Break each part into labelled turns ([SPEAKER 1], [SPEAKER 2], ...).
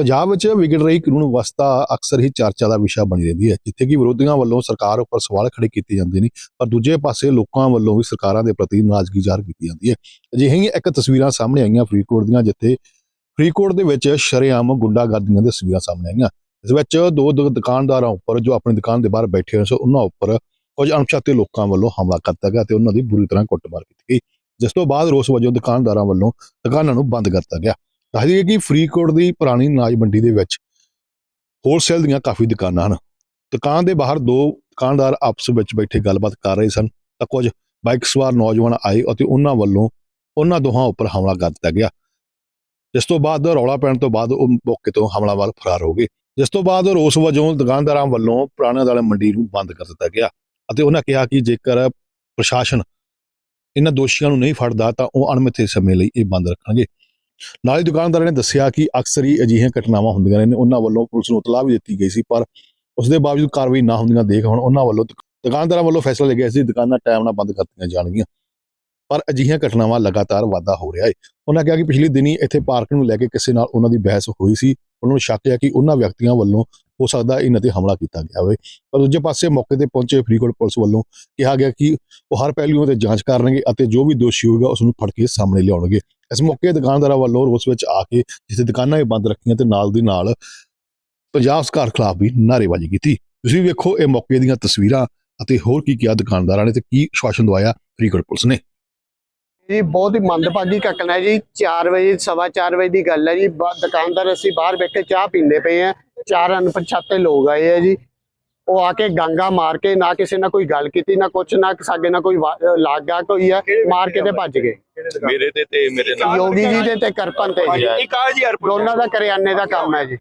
[SPEAKER 1] ਪੰਜਾਬ ਵਿੱਚ ਵਿਗੜ ਰਹੀ ਕਾਨੂੰਨ ਵਿਵਸਥਾ ਅਕਸਰ ਹੀ ਚਰਚਾ ਦਾ ਵਿਸ਼ਾ ਬਣੀ ਰਹਿੰਦੀ ਹੈ, ਜਿੱਥੇ ਕਿ ਵਿਰੋਧੀਆਂ ਵੱਲੋਂ ਸਰਕਾਰ ਉੱਪਰ ਸਵਾਲ ਖੜੇ ਕੀਤੇ ਜਾਂਦੇ ਨੇ, ਪਰ ਦੂਜੇ ਪਾਸੇ ਲੋਕਾਂ ਵੱਲੋਂ ਵੀ ਸਰਕਾਰਾਂ ਦੇ ਪ੍ਰਤੀ ਨਾਰਾਜ਼ਗੀ ਜ਼ਾਹਰ ਕੀਤੀ ਜਾਂਦੀ ਹੈ। ਅਜਿਹੀਆਂ ਹੀ ਇੱਕ ਤਸਵੀਰਾਂ ਸਾਹਮਣੇ ਆਈਆਂ ਫਰੀਦਕੋਟ ਦੀਆਂ, ਜਿੱਥੇ ਫਰੀਦਕੋਟ ਦੇ ਵਿੱਚ ਸ਼ਰੇਆਮ ਗੁੰਡਾਗਰਦੀਆਂ ਦੀਆਂ ਤਸਵੀਰਾਂ ਸਾਹਮਣੇ ਆਈਆਂ। ਇਸ ਵਿੱਚ ਦੋ ਦੁਕਾਨਦਾਰਾਂ ਉੱਪਰ, ਜੋ ਆਪਣੀ ਦੁਕਾਨ ਦੇ ਬਾਹਰ ਬੈਠੇ ਹੋਏ ਸਨ, ਉਹਨਾਂ ਉੱਪਰ ਕੁਝ ਅਣਪਛਾਤੇ ਲੋਕਾਂ ਵੱਲੋਂ ਹਮਲਾ ਕੀਤਾ ਗਿਆ ਤੇ ਉਹਨਾਂ ਦੀ ਬੁਰੀ ਤਰ੍ਹਾਂ ਕੁੱਟਮਾਰ ਕੀਤੀ ਗਈ, ਜਿਸ ਤੋਂ ਬਾਅਦ ਰੋਸ ਵਜੋਂ ਦੁਕਾਨਦਾਰਾਂ ਵੱਲੋਂ ਦੁਕਾਨਾਂ ਨੂੰ ਬੰਦ ਕਰ ਦਿੱਤਾ ਗਿਆ। ਦੱਸ ਦਈਏ ਕਿ ਫਰੀਦਕੋਟ ਦੀ ਪੁਰਾਣੀ ਅਨਾਜ ਮੰਡੀ ਦੇ ਵਿੱਚ ਹੋਲਸੇਲ ਦੀਆਂ ਕਾਫੀ ਦੁਕਾਨਾਂ ਹਨ। ਦੁਕਾਨ ਦੇ ਬਾਹਰ ਦੋ ਦੁਕਾਨਦਾਰ ਆਪਸ ਵਿੱਚ ਬੈਠੇ ਗੱਲਬਾਤ ਕਰ ਰਹੇ ਸਨ ਤਾਂ ਕੁਝ ਬਾਈਕ ਸਵਾਰ ਨੌਜਵਾਨ ਆਏ ਅਤੇ ਉਹਨਾਂ ਵੱਲੋਂ ਉਹਨਾਂ ਦੋਹਾਂ ਉੱਪਰ ਹਮਲਾ ਕਰ ਦਿੱਤਾ ਗਿਆ, ਜਿਸ ਤੋਂ ਬਾਅਦ ਰੌਲਾ ਪੈਣ ਤੋਂ ਬਾਅਦ ਉਹ ਮੌਕੇ ਤੋਂ ਹਮਲਾਵਰ ਫਰਾਰ ਹੋ ਗਏ। ਜਿਸ ਤੋਂ ਬਾਅਦ ਰੋਸ ਵਜੋਂ ਦੁਕਾਨਦਾਰਾਂ ਵੱਲੋਂ ਪੁਰਾਣੇ ਵਾਲੇ ਮੰਡੀ ਨੂੰ ਬੰਦ ਕਰ ਦਿੱਤਾ ਗਿਆ ਅਤੇ ਉਹਨਾਂ ਕਿਹਾ ਕਿ ਜੇਕਰ ਪ੍ਰਸ਼ਾਸਨ ਇਹਨਾਂ ਦੋਸ਼ੀਆਂ ਨੂੰ ਨਹੀਂ ਫੜਦਾ ਤਾਂ ਉਹ ਅਣਮਿੱਥੇ ਸਮੇਂ ਲਈ ਇਹ ਬੰਦ ਰੱਖਣਗੇ। ਨਾਲ ਹੀ ਦੁਕਾਨਦਾਰਾਂ ਨੇ ਦੱਸਿਆ ਕਿ ਅਕਸਰ ਹੀ ਅਜਿਹੀਆਂ ਘਟਨਾਵਾਂ ਹੁੰਦੀਆਂ ਨੇ, ਉਹਨਾਂ ਵੱਲੋਂ ਪੁਲਿਸ ਨੂੰ ਇਤਲਾਹ ਵੀ ਦਿੱਤੀ ਗਈ ਸੀ, ਪਰ ਉਸ ਦੇ ਬਾਵਜੂਦ ਕਾਰਵਾਈ ਨਾ ਹੁੰਦੀਆਂ ਦੇਖ ਹੁਣ ਉਹਨਾਂ ਵੱਲੋਂ ਦੁਕਾਨਦਾਰਾਂ ਵੱਲੋਂ ਫੈਸਲਾ ਲਿਆ ਗਿਆ ਸੀ ਦੁਕਾਨਾਂ ਟਾਈਮ ਨਾਲ ਬੰਦ ਕਰ ਦਿੱਤੀਆਂ ਜਾਣਗੀਆਂ, ਪਰ ਅਜਿਹੀਆਂ ਘਟਨਾਵਾਂ ਲਗਾਤਾਰ ਵਾਧਾ ਹੋ ਰਿਹਾ ਹੈ। ਉਹਨਾਂ ਕਿਹਾ ਕਿ ਪਿਛਲੇ ਦਿਨੀ ਇੱਥੇ ਪਾਰਕਿੰਗ ਨੂੰ ਲੈ ਕੇ ਕਿਸੇ ਨਾਲ ਉਹਨਾਂ ਦੀ ਬਹਿਸ ਹੋਈ ਸੀ। ਉਹਨਾਂ ਨੂੰ ਸ਼ੱਕ ਹੈ ਕਿ ਉਹਨਾਂ ਵਿਅਕਤੀਆਂ ਵੱਲੋਂ ਹੋ ਸਕਦਾ ਇਹਨਾਂ ਤੇ ਹਮਲਾ ਕੀਤਾ ਗਿਆ ਹੋਵੇ, ਪਰ ਦੂਜੇ ਪਾਸੇ ਮੌਕੇ ਤੇ ਪਹੁੰਚੇ ਫਰੀਦਕੋਟ ਪੁਲਿਸ ਵੱਲੋਂ ਕਿਹਾ ਗਿਆ ਕਿ ਉਹ ਹਰ ਪਹਿਲੂਆਂ ਤੇ ਜਾਂਚ ਕਰਨਗੇ ਅਤੇ ਜੋ ਵੀ ਦੋਸ਼ੀ ਹੋਵੇਗਾ ਉਸ ਨੂੰ ਫੜ ਕੇ ਸਾਹਮਣੇ ਲਿਆਉਣਗੇ। ਇਸ ਮੌਕੇ ਦੁਕਾਨਦਾਰਾਂ ਵੱਲੋਂ ਰੋਸ ਵਿੱਚ ਆ ਕੇ ਜਿੱਥੇ ਦੁਕਾਨਾਂ ਵੀ ਬੰਦ ਰੱਖੀਆਂ ਤੇ ਨਾਲ ਦੀ ਨਾਲ ਪੰਜਾਬ ਸਰਕਾਰ ਖਿਲਾਫ ਵੀ ਨਾਅਰੇਬਾਜ਼ੀ ਕੀਤੀ। ਤੁਸੀਂ ਵੇਖੋ ਇਹ ਮੌਕੇ ਦੀਆਂ ਤਸਵੀਰਾਂ ਅਤੇ ਹੋਰ ਕੀ ਕਿਹਾ ਦੁਕਾਨਦਾਰਾਂ ਨੇ ਤੇ ਕੀ ਆਸ਼ਵਾਸਨ ਦਵਾਇਆ ਫਰੀਦਕੋਟ ਪੁਲਿਸ ਨੇ।
[SPEAKER 2] ਜੀ ਬਹੁਤ ਹੀ ਮੰਦਭਾਗੀ ਘਟਨਾ ਹੈ ਜੀ। 4 ਵਜੇ 4:15 ਵਜੇ ਦੀ ਗੱਲ ਹੈ ਜੀ। ਦੁਕਾਨਦਾਰ ਅਸੀਂ ਬਾਹਰ ਬੈਠੇ ਚਾਹ ਪੀਂਦੇ ਪਏ ਆ, 4 ਅਣਪਛਾਤੇ ਲੋਕ ਆਏ ਆ ਜੀ। ਉਹ ਆ ਕੇ ਗਾਂਗਾ ਮਾਰ ਕੇ ਨਾ ਕਿਸੇ ਨਾਲ ਕੋਈ ਗੱਲ ਕੀਤੀ, ਨਾ ਕੁਛ, ਨਾ ਸਾਡੇ ਨਾਲ ਕੋਈ ਲਾਗਾ ਕੋਈ ਆ, ਮਾਰ ਕੇ ਤੇ ਭੱਜ ਗਏ।
[SPEAKER 3] ਮੇਰੇ ਤੇ ਮੇਰੇ ਨਾਲ
[SPEAKER 2] ਯੋਗੀ ਜੀ ਦੇ ਤੇ ਕਰਪਨ ਤੇ ਜੀ ਦੋਨਾਂ ਦਾ ਕਰਿਆਨੇ ਦਾ ਕੰਮ ਹੈ ਜੀ।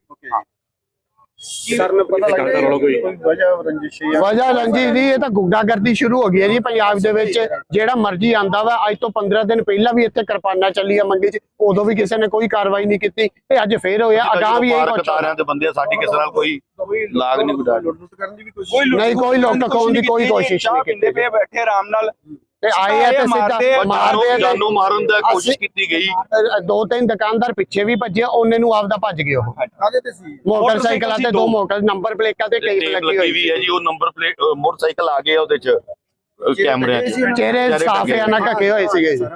[SPEAKER 4] ਸਰ ਨੂੰ ਪਤਾ ਲੱਗਦਾ ਕੋਈ
[SPEAKER 2] ਵਜ੍ਹਾ ਰੰਜਿਸ਼ ਦੀ, ਇਹ ਤਾਂ ਗੁੰਡਾਗਰਦੀ ਸ਼ੁਰੂ ਹੋ ਗਈ ਹੈ ਜੀ ਪੰਜਾਬ ਦੇ ਵਿੱਚ। ਜਿਹੜਾ ਮਰਜ਼ੀ ਆਂਦਾ ਵਾ। ਅੱਜ ਤੋਂ 15 ਦਿਨ ਪਹਿਲਾਂ ਵੀ ਇੱਥੇ ਕਿਰਪਾਨਾਂ ਚੱਲੀਆਂ ਮੰਡੀ 'ਚ, ਉਦੋਂ ਵੀ ਕਿਸੇ ਨੇ ਕੋਈ ਕਾਰਵਾਈ ਨਹੀਂ ਕੀਤੀ। ਇਹ ਅੱਜ ਫੇਰ ਹੋਇਆ, ਅਗਾਂਹ ਵੀ ਇਹ ਕੁਛ
[SPEAKER 3] ਦੇ ਬੰਦੇ ਸਾਡੀ ਕਿਸੇ ਨਾਲ ਕੋਈ ਲਾਗ ਨਹੀਂ ਗੁੱਡਾ
[SPEAKER 2] ਨਹੀਂ, ਕੋਈ ਲੁੱਟ ਖੋਹਣ ਦੀ ਕੋਈ ਕੋਸ਼ਿਸ਼ ਨਹੀਂ ਕੀਤੀ।
[SPEAKER 4] ਬੈਠੇ ਆਰਾਮ ਨਾਲ
[SPEAKER 2] ਤੇ ਆਏ ਆ ਤੇ ਸਿੱਧਾ ਮਾਰਦੇ
[SPEAKER 3] ਜਾਨੋਂ ਮਾਰਨ ਦਾ ਕੋਸ਼ਿਸ਼ ਕੀਤੀ ਗਈ।
[SPEAKER 2] 2-3 ਦੁਕਾਨਦਾਰ ਪਿੱਛੇ ਵੀ ਭੱਜੇ, ਉਹਨੇ ਨੂੰ ਆਪਦਾ ਭੱਜ ਗਏ। ਉਹ ਮੋਟਰਸਾਈਕਲਾਂ ਤੇ 2 ਮੋਟਰ ਨੰਬਰ ਪਲੇਟਾਂ ਤੇ ਟੇਪ ਲੱਗੀ ਹੋਈ
[SPEAKER 3] ਹੈ ਜੀ। ਉਹ ਨੰਬਰ ਪਲੇਟ ਮੋਟਰਸਾਈਕਲ ਆ ਗਏ ਉਹਦੇ ਚ ਕੈਮਰਿਆਂ ਚ,
[SPEAKER 2] ਚਿਹਰੇ ਸਾਫ਼ ਆ ਨਾ ਢਕੇ ਹੋਏ ਸੀਗੇ ਜੀ।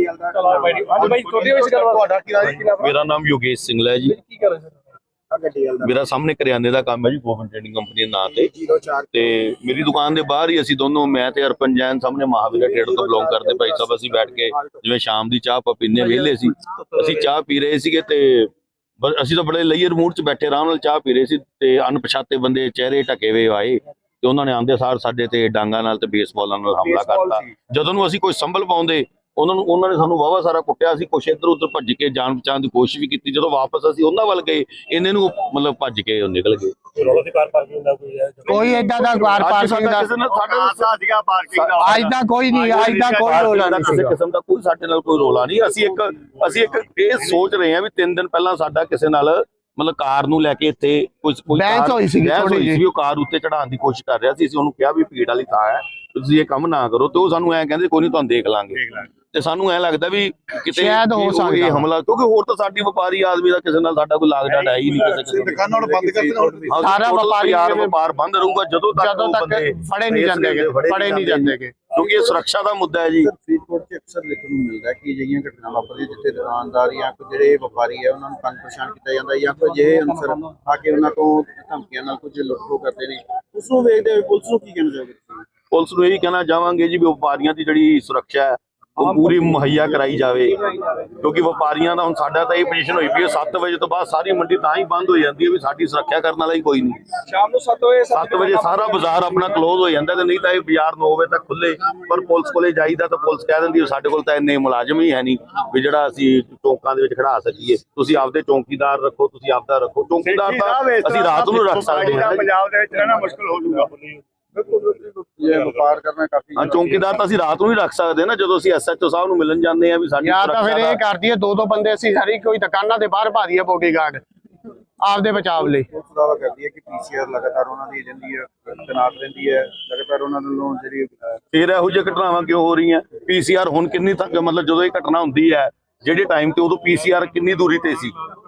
[SPEAKER 3] ਮੇਰਾ ਨਾਮ ਯੋਗੇਸ਼ ਸਿੰਘਲਾ ਹੈ ਜੀ। ਮੇਰਾ ਸਾਹਮਣੇ ਕਰਿਆਨੇ ਦਾ ਕੰਮ ਹੈ ਜੀ, ਗੋਬਿੰਦ ਟ੍ਰੇਡਿੰਗ ਕੰਪਨੀ ਦੇ ਨਾਂ ਤੇ ਮੇਰੀ ਦੁਕਾਨ ਦੇ ਬਾਹਰ ਹੀ ਅਸੀਂ ਦੋਨੋਂ, ਮੈਂ ਤੇ ਅਰਪਨ ਜੈਨ, ਸਾਹਮਣੇ ਮਹਾਵੀਰ ਟ੍ਰੇਡਰ ਤੋਂ ਬਿਲੋਂਗ ਕਰਦੇ ਭਾਈ ਸਾਹਿਬ, ਅਸੀਂ ਬੈਠ ਕੇ ਜਿਵੇਂ ਸ਼ਾਮ ਦੀ ਚਾਹ ਪੀਨੇ ਵਿਹਲੇ ਸੀ, ਅਸੀਂ ਚਾਹ ਪੀ ਰਹੇ ਸੀਗੇ ਤੇ ਅਸੀਂ ਤਾਂ ਬੜੇ ਲੇਅਰ ਮੂਡ 'ਚ ਬੈਠੇ ਆਰਾਮ ਨਾਲ ਚਾਹ ਪੀ ਰਹੇ ਸੀ ਤੇ ਅਣਪਛਾਤੇ ਬੰਦੇ ਚਿਹਰੇ ਢਕੇ ਹੋਏ ਆਏ ਤੇ ਉਹਨਾਂ ਨੇ ਆਂਦੇ ਸਾਰ ਸਾਡੇ ਤੇ ਡਾਂਗਾ ਨਾਲ ਤੇ ਬੇਸਬਾਲਾਂ ਨਾਲ ਹਮਲਾ ਕਰਤਾ। ਜਦੋਂ ਨੂੰ ਅਸੀਂ ਕੋਈ ਸੰਭਲ ਪਾਉਂਦੇ ਉਹਨਾਂ ਨੇ ਸਾਨੂੰ ਵਾਵਾ ਸਾਰਾ ਕੁੱਟਿਆ ਸੀ। ਕੁਛ ਇੱਧਰ ਉੱਧਰ ਭੱਜ ਕੇ ਜਾਨ ਬਚਾਉਣ ਦੀ ਕੋਸ਼ਿਸ਼ ਵੀ ਕੀਤੀ। ਜਦੋਂ ਵਾਪਸ ਅਸੀਂ ਉਹਨਾਂ ਵੱਲ ਗਏ, ਇਹਨੇ ਨੂੰ ਮਤਲਬ ਭੱਜ ਕੇ ਉਹ ਨਿਕਲ ਗਏ।
[SPEAKER 2] ਕੋਈ ਏਦਾਂ ਦਾ ਪਾਰਕਿੰਗ ਦਾ ਅੱਜ ਦਾ ਕੋਈ ਨਹੀਂ, ਅੱਜ ਦਾ ਕੋਈ ਰੋਲਾ ਨਹੀਂ,
[SPEAKER 3] ਕਿਸੇ ਕਿਸਮ ਦਾ ਕੋਈ ਸਾਡੇ ਨਾਲ ਕੋਈ ਰੋਲਾ ਨਹੀਂ। ਅਸੀਂ ਇੱਕ ਇਹ ਸੋਚ ਰਹੇ ਹਾਂ ਵੀ 3 ਦਿਨ ਪਹਿਲਾਂ ਸਾਡਾ ਕਿਸੇ ਨਾਲ ਮਤਲਬ ਕਾਰ ਨੂੰ ਲੈ ਕੇ ਇੱਥੇ ਕੋਈ
[SPEAKER 2] ਬਹਿਸ ਹੋਈ ਸੀ,
[SPEAKER 3] ਉਹ ਕਾਰ ਉੱਤੇ ਚੜਾਉਣ ਦੀ ਕੋਸ਼ਿਸ਼ ਕਰ ਰਿਹਾ ਸੀ। ਅਸੀਂ ਉਹਨੂੰ ਕਿਹਾ ਵੀ ਭੀੜ ਵਾਲੀ ਥਾਂ ਹੈ, ਤੁਸੀਂ ਇਹ ਕੰਮ ਨਾ ਕਰੋ, ਤੇ ਉਹ ਸਾਨੂੰ ਐਂ ਕਹਿੰਦੇ ਕੋਈ ਨਹੀਂ ਤੁਹਾਨੂੰ ਦੇਖ ਲਾਂਗੇ। ਤੇ ਸਾਨੂੰ ਐ ਲੱਗਦਾ ਵੀ ਕਿਤੇ ਇਹ ਹਮਲਾ, ਕਿਉਂਕਿ ਹੋਰ ਤਾਂ ਸਾਡੀ ਵਪਾਰੀ ਆਦਮੀ ਦਾ ਕਿਸੇ ਨਾਲ ਸਾਡਾ ਕੋਈ ਲਾਗ ਡਾਟ ਹੈ ਹੀ ਨਹੀਂ। ਕਿਸੇ
[SPEAKER 4] ਦੁਕਾਨਾਂ ਨੂੰ ਬੰਦ ਕਰ ਦੇਣਾ,
[SPEAKER 3] ਸਾਰਾ ਵਪਾਰ ਬੰਦ ਰਹੂਗਾ ਜਦੋਂ ਤੱਕ
[SPEAKER 2] ਫੜੇ ਨਹੀਂ ਜਾਂਦੇ,
[SPEAKER 3] ਕਿਉਂਕਿ ਇਹ ਸੁਰੱਖਿਆ ਦਾ ਮੁੱਦਾ ਹੈ ਜੀ।
[SPEAKER 4] ਫਰੀਦਕੋਟ 'ਚ ਅਕਸਰ ਦੇਖਣ ਨੂੰ ਮਿਲਦਾ ਕਿ ਅਜਿਹੀਆਂ ਘਟਨਾਵਾਂ ਵਾਪਰਦੀਆਂ ਜਿੱਥੇ ਦੁਕਾਨਦਾਰ ਜਾਂ ਕੋਈ ਜਿਹੜੇ ਵਪਾਰੀ ਹੈ ਉਹਨਾਂ ਨੂੰ ਤੰਗ ਪਰੇਸ਼ਾਨ ਕੀਤਾ ਜਾਂਦਾ ਜਾਂ ਕੋਈ ਅਜਿਹੇ ਅਨਸਰ ਆ ਕੇ ਉਹਨਾਂ ਤੋਂ ਧਮਕੀਆਂ ਨਾਲ ਕੁਝ ਲੁੱਟ-ਖੋਹ ਕਰਦੇ ਨੇ। ਉਸ ਨੂੰ ਵੇਖਦੇ ਹੋਏ ਪੁਲਿਸ ਨੂੰ ਕੀ ਕਹਿਣਾ ਚਾਹੋਗੇ?
[SPEAKER 3] ਪੁਲਿਸ ਨੂੰ ਇਹੀ ਕਹਿਣਾ ਚਾਹਾਂਗੇ ਜੀ ਵੀ ਵਪਾਰੀਆਂ ਦੀ ਜਿਹੜੀ ਸੁਰੱਖਿਆ ਹੈ ਉਹ ਪੂਰੀ ਮੁਹੱਈਆ ਕਰਾਈ ਜਾਵੇ, ਕਿਉਂਕਿ ਵਪਾਰੀਆਂ ਦਾ ਹੁਣ ਸਾਡਾ ਤਾਂ ਇਹ ਪੋਜੀਸ਼ਨ ਹੋਈ ਵੀ 7 ਵਜੇ ਤੋਂ ਬਾਅਦ ਸਾਰੀ ਮੰਡੀ ਤਾਂ ਹੀ ਬੰਦ ਹੋ ਜਾਂਦੀ ਹੈ ਵੀ ਸਾਡੀ ਸੁਰੱਖਿਆ ਕਰਨ ਵਾਲਾ ਹੀ ਕੋਈ ਨਹੀਂ।
[SPEAKER 4] ਸ਼ਾਮ ਨੂੰ 7 ਵਜੇ
[SPEAKER 3] ਸਾਰਾ ਬਾਜ਼ਾਰ ਆਪਣਾ ਕਲੋਜ਼ ਹੋ ਜਾਂਦਾ ਤੇ ਨਹੀਂ ਤਾਂ ਇਹ ਬਾਜ਼ਾਰ 9 ਵਜੇ ਤੱਕ ਖੁੱਲੇ। ਪਰ ਪੁਲਿਸ ਕੋਲੇ ਜਾਈਦਾ ਤਾਂ ਪੁਲਿਸ ਕਹਿ ਦਿੰਦੀ ਸਾਡੇ ਕੋਲ ਤਾਂ ਇੰਨੇ ਮੁਲਾਜ਼ਮ ਹੀ ਹੈ ਨਹੀਂ ਵੀ ਜਿਹੜਾ ਅਸੀਂ ਚੌਂਕਾਂ ਦੇ ਵਿੱਚ ਖੜਾ ਸਕੀਏ। ਤੁਸੀਂ ਆਪਦੇ ਚੌਂਕੀਦਾਰ ਰੱਖੋ, ਤੁਸੀਂ ਆਪਦਾ ਰੱਖੋ। ਚੌਂਕੀਦਾਰ ਤਾਂ ਅਸੀਂ ਰਾਤ ਨੂੰ ਰੱਖ ਸਕਦੇ ਹਾਂ,
[SPEAKER 4] ਪੰਜਾਬ ਦੇ ਵਿੱਚ ਰਹਿਣਾ ਮੁਸ਼ਕਲ ਹੋ ਜਾਊਗਾ। ਵਪਾਰ ਕਰਨਾ ਕਾਫੀ
[SPEAKER 3] ਚੌਂਕੀਦਾਰ ਤਾਂ ਅਸੀਂ ਰਾਤ ਨੂੰ ਹੀ ਰੱਖ ਸਕਦੇ ਨਾ, ਜਦੋਂ ਅਸੀਂ ਐਸਐਚਓ ਸਾਹਿਬ ਨੂੰ ਮਿਲਣ ਜਾਂਦੇ ਆ ਵੀ ਸਾਡੀ
[SPEAKER 2] ਤਾਂ ਫਿਰ ਇਹ ਕਰਦੀ ਹੈ 2-2 ਬੰਦੇ ਅਸੀਂ ਸਾਰੀ ਕੋਈ ਦੁਕਾਨਾਂ ਦੇ ਬਾਹਰ ਪਾ ਦਈਏ ਬੋਡੀਗਾਰਡ ਆਪਦੇ ਬਚਾਵ ਲਈ।
[SPEAKER 4] ਦਾਵਾ ਕਰਦੀ ਹੈ ਕਿ ਪੀਸੀਆਰ ਲਗਾਤਾਰ ਉਹਨਾਂ ਦੀ ਰਹਿੰਦੀ ਹੈ, ਤੈਨਾਤ ਰਹਿੰਦੀ ਹੈ, ਲਗਾਤਾਰ ਉਹਨਾਂ ਨੂੰ ਜਿਹੜੀ
[SPEAKER 3] ਫਿਰ ਇਹੋ ਜਿਹੀ ਘਟਨਾਵਾਂ ਕਿਉਂ ਹੋ ਰਹੀਆਂ? ਪੀਸੀਆਰ ਹੁਣ ਕਿੰਨੀ ਤੱਕ ਮਤਲਬ ਜਦੋਂ ਇਹ ਘਟਨਾ ਹੁੰਦੀ ਹੈ ਜਿਹੜੇ ਟਾਈਮ ਤੇ ਉਦੋਂ ਪੀਸੀਆਰ ਕਿੰਨੀ ਦੂਰੀ ਤੇ ਸੀ?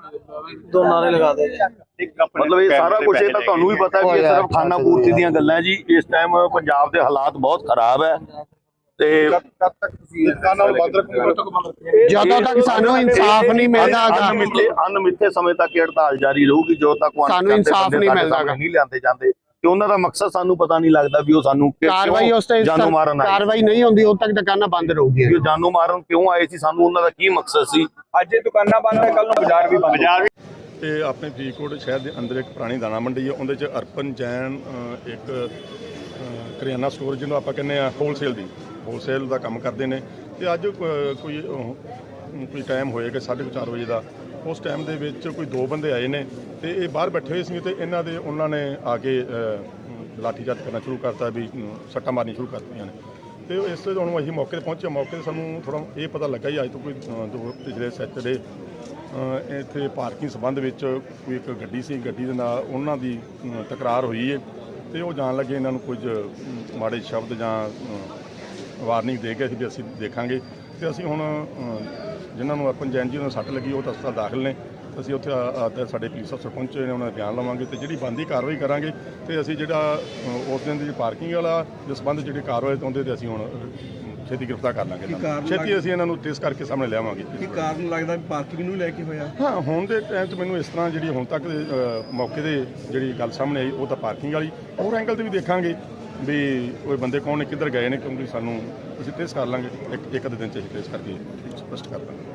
[SPEAKER 5] ਦੋਨਾਂ ਨੇ ਲਗਾ ਦੇ
[SPEAKER 3] ਮਤਲਬ ਇਹ ਸਾਰਾ ਕੁਝ ਇਹ ਤਾਂ ਤੁਹਾਨੂੰ ਵੀ ਪਤਾ ਕਿ ਇਹ ਸਿਰਫ ਖਾਨਾ ਪੂਰਤੀ ਦੀਆਂ ਗੱਲਾਂ ਜੀ। ਇਸ ਟਾਈਮ ਪੰਜਾਬ ਦੇ ਹਾਲਾਤ ਬਹੁਤ ਖਰਾਬ ਹੈ ਤੇ
[SPEAKER 4] ਕਦ ਤੱਕ ਤੁਸੀਂ
[SPEAKER 2] ਜਦੋਂ ਤੱਕ ਸਾਨੂੰ ਇਨਸਾਫ ਨਹੀਂ ਮਿਲਦਾ
[SPEAKER 3] ਅਣਮਿੱਥੇ ਸਮੇਂ ਤੱਕ ਇਹ ਹੜਤਾਲ ਜਾਰੀ ਰਹੂਗੀ ਜਦੋਂ ਤੱਕ ਉਹ
[SPEAKER 2] ਸਾਨੂੰ ਇਨਸਾਫ ਨਹੀਂ ਮਿਲਦਾ
[SPEAKER 3] ਨਹੀਂ ਲਿਆਂਦੇ ਜਾਂਦੇ ਤੇ ਉਹਨਾਂ ਦਾ ਮਕਸਦ ਸਾਨੂੰ ਪਤਾ ਨਹੀਂ ਲੱਗਦਾ ਵੀ ਉਹ ਸਾਨੂੰ
[SPEAKER 2] ਕਾਰਵਾਈ ਉਸ ਤੇ
[SPEAKER 3] ਜਾਨੋਂ ਮਾਰਨ ਆਏ।
[SPEAKER 2] ਕਾਰਵਾਈ ਨਹੀਂ ਹੁੰਦੀ ਉਦੋਂ ਤੱਕ ਦੁਕਾਨਾਂ ਬੰਦ ਰਹੂਗੀਆਂ।
[SPEAKER 3] ਵੀ ਉਹ ਜਾਨੋਂ ਮਾਰਨ ਕਿਉਂ ਆਏ ਸੀ, ਸਾਨੂੰ ਉਹਨਾਂ ਦਾ ਕੀ ਮਕਸਦ ਸੀ।
[SPEAKER 5] ਅੱਜ ਇਹ ਦੁਕਾਨਾਂ ਬੰਦ ਹੈ, ਕੱਲ ਨੂੰ ਬਾਜ਼ਾਰ ਵੀ ਬੰਦ।
[SPEAKER 6] ਇਹ ਆਪਣੇ ਫਰੀਦਕੋਟ ਸ਼ਹਿਰ ਦੇ ਅੰਦਰ ਇੱਕ ਪੁਰਾਣੀ ਦਾਣਾ ਮੰਡੀ ਹੈ, ਉਹਦੇ 'ਚ ਅਰਪਨ ਜੈਨ ਇੱਕ ਕਰਿਆਨਾ ਸਟੋਰ ਜਿਹਨੂੰ ਆਪਾਂ ਕਹਿੰਦੇ ਆ ਹੋਲਸੇਲ ਦਾ ਕੰਮ ਕਰਦੇ ਨੇ। ਤੇ ਅੱਜ ਕੋਈ ਟਾਈਮ ਹੋਏਗਾ 4:30 ਵਜੇ ਦਾ, ਉਸ ਟਾਈਮ ਦੇ ਵਿੱਚ ਕੋਈ ਦੋ ਬੰਦੇ ਆਏ ਨੇ ਤੇ ਇਹ ਬਾਹਰ ਬੈਠੇ ਹੋਏ ਸੀ ਤੇ ਉਹਨਾਂ ਨੇ ਆ ਕੇ ਲਾਠੀਚਾਰਜ ਕਰਨਾ ਸ਼ੁਰੂ ਕਰਤਾ, ਵੀ ਸੱਟਾਂ ਮਾਰਨੀਆਂ ਸ਼ੁਰੂ ਕਰਤੀਆਂ ਨੇ। ਤੇ ਇਸ ਤੋਂ ਹੁਣ ਅਸੀਂ ਮੌਕੇ 'ਤੇ ਪਹੁੰਚੇ। ਮੌਕੇ 'ਤੇ ਸਾਨੂੰ ਥੋੜ੍ਹਾ ਇਹ ਪਤਾ ਲੱਗਾ ਹੀ ਅੱਜ ਤੋਂ ਕੋਈ ਪਿਛਲੇ ਸੈਚਰਡੇ ਇੱਥੇ ਪਾਰਕਿੰਗ ਸੰਬੰਧ ਵਿੱਚ ਕੋਈ ਇੱਕ ਗੱਡੀ ਸੀ, ਗੱਡੀ ਦੇ ਨਾਲ ਉਹਨਾਂ ਦੀ ਤਕਰਾਰ ਹੋਈ ਹੈ ਤੇ ਉਹ ਜਾਣ ਲੱਗੇ ਇਹਨਾਂ ਨੂੰ ਕੁਝ ਮਾੜੇ ਸ਼ਬਦ ਜਾਂ ਵਾਰਨਿੰਗ ਦੇ ਕੇ ਵੀ ਅਸੀਂ ਦੇਖਾਂਗੇ। ਤੇ ਅਸੀਂ ਹੁਣ ਜਿਨ੍ਹਾਂ ਨੂੰ ਅਰਪਨ ਜੈਨ ਜੀ ਨੂੰ ਸੱਟ ਲੱਗੀ ਉਹ ਤਾਂ ਹਸਪਤਾਲ ਦਾਖਲ ਨੇ। ਅਸੀਂ ਉੱਥੇ ਸਾਡੇ ਪੁਲਿਸ ਅਫਸਰ ਪਹੁੰਚੇ ਨੇ, ਉਹਨਾਂ ਦਾ ਬਿਆਨ ਲਵਾਂਗੇ ਤੇ ਜਿਹੜੀ ਬਣਦੀ ਕਾਰਵਾਈ ਕਰਾਂਗੇ। ਤੇ ਅਸੀਂ ਜਿਹੜਾ ਉਸ ਦਿਨ ਦੀ ਪਾਰਕਿੰਗ ਵਾਲਾ ਜਿਸ ਸੰਬੰਧ ਜਿਹੜੀ ਕਾਰਵਾਈ ਉਹਦੇ ਤੇ ਅਸੀਂ ਹੁਣ ਛੇਤੀ ਗ੍ਰਿਫਤਾਰ ਕਰ ਲਾਂਗੇ। ਛੇਤੀ ਅਸੀਂ ਇਹਨਾਂ ਨੂੰ ਟ੍ਰੇਸ ਕਰਕੇ ਸਾਹਮਣੇ ਲਿਆਵਾਂਗੇ।
[SPEAKER 5] ਕੀ ਕਾਰਨ ਲੱਗਦਾ ਪਾਰਕਿੰਗ ਨੂੰ ਲੈ ਕੇ ਹੋਇਆ?
[SPEAKER 6] ਹਾਂ, ਹੁਣ ਦੇ ਟਾਈਮ 'ਚ ਮੈਨੂੰ ਇਸ ਤਰ੍ਹਾਂ ਜਿਹੜੀ ਹੁਣ ਤੱਕ ਦੇ ਮੌਕੇ ਦੇ ਜਿਹੜੀ ਗੱਲ ਸਾਹਮਣੇ ਆਈ ਉਹ ਤਾਂ ਪਾਰਕਿੰਗ ਵਾਲੀ। ਹੋਰ ਐਂਗਲ ਤੇ ਵੀ ਦੇਖਾਂਗੇ ਵੀ ਉਹ ਬੰਦੇ ਕੌਣ ਨੇ, ਕਿੱਧਰ ਗਏ ਨੇ, ਕਿਉਂਕਿ ਸਾਨੂੰ ਅਸੀਂ ਟ੍ਰੇਸ ਕਰ ਲਾਂਗੇ। ਇੱਕ ਅੱਧੇ ਦਿਨ 'ਚ ਅਸੀਂ ਟ੍ਰੇਸ ਕਰਕੇ ਸਪਸ਼ਟ ਕਰ ਦਾਂਗੇ।